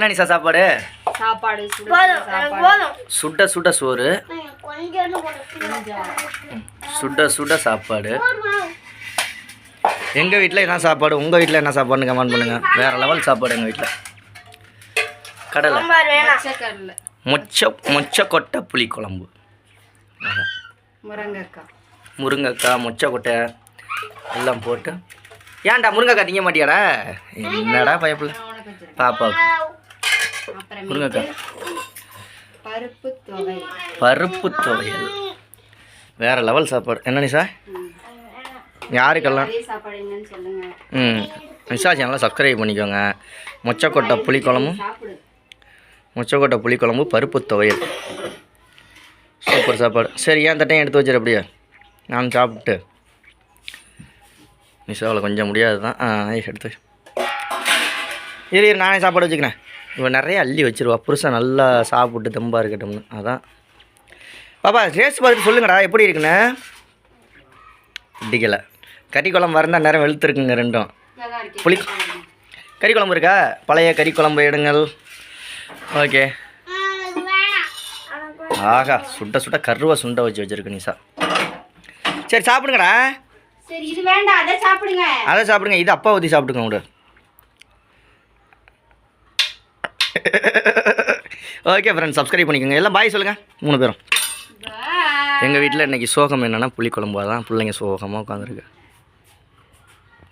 என்ன நிசா சாப்பாடு? சாப்பாடு சுட சுட சோறு, சுட சுட சாப்பாடு. எங்கள் வீட்டில் என்ன சாப்பாடு, உங்கள் வீட்டில் என்ன சாப்பாடுன்னு கமெண்ட் பண்ணுங்கள். வேறு லெவல் சாப்பாடு எங்கள் வீட்டில். கடலை மொச்சக்கொட்டை புளிக்குழம்பு, முருங்கைக்காய் மொச்சக்கொட்டை எல்லாம் போட்டு. ஏன்டா முருங்கைக்காய் திங்க மாட்டியாடா? என்னடா பயப்பில்ல பாப்பாவுக்கு. முருங்கைக்காய் பருப்பு துவையல் வேறு லெவல் சாப்பாடு. என்ன நிசா? யாருக்கெல்லாம் நிசா சேனலை சப்ஸ்கிரைப் பண்ணிக்கோங்க. மொச்சக்கொட்டை புளிக்குழம்பு பருப்பு துவையல் சூப்பர் சாப்பாடு. சரி, ஏன் தட்டையும் எடுத்து வச்சிரு அப்படியே நான் சாப்பிட்டு. நிசாவில் கொஞ்சம் முடியாது தான். எடுத்து இரு நானே சாப்பாடு வச்சுக்கிறேன். இவன் நிறைய அள்ளி வச்சிருவா, புருஷன் நல்லா சாப்பிட்டு தெம்பாக இருக்கட்டும்னு. அதான் பாப்பா டேஸ்ட் பார்த்துட்டு சொல்லுங்கடா எப்படி இருக்குண்ணே. பிடிக்கலை. கறி குழம்பு வரந்தால் நேரம் வெளுத்துருக்குங்க ரெண்டும். கறி குழம்பு இருக்கா? பழைய கறி குழம்பு எடுங்கள். ஓகே. ஆகா சுட்ட சுட்ட கருவா சுண்டை வச்சு வச்சிருக்கு நிசா. சரி சாப்பிடுங்கடா. சரி இது வேண்டாம், அதை சாப்பிடுங்க. அதை சாப்பிடுங்க, இது அப்பா ஊற்றி சாப்பிடுங்க விடு. ஓகே ஃப்ரெண்ட்ஸ், சப்ஸ்கிரைப் பண்ணிக்கோங்க. எல்லாம் பாய் சொல்லுங்கள் 3 பேரும். எங்கள் வீட்டில் இன்றைக்கி சோகம் என்னென்னா புளிக்குழம்பு தான். பிள்ளைங்க சோகமாக உட்காந்துருக்கு.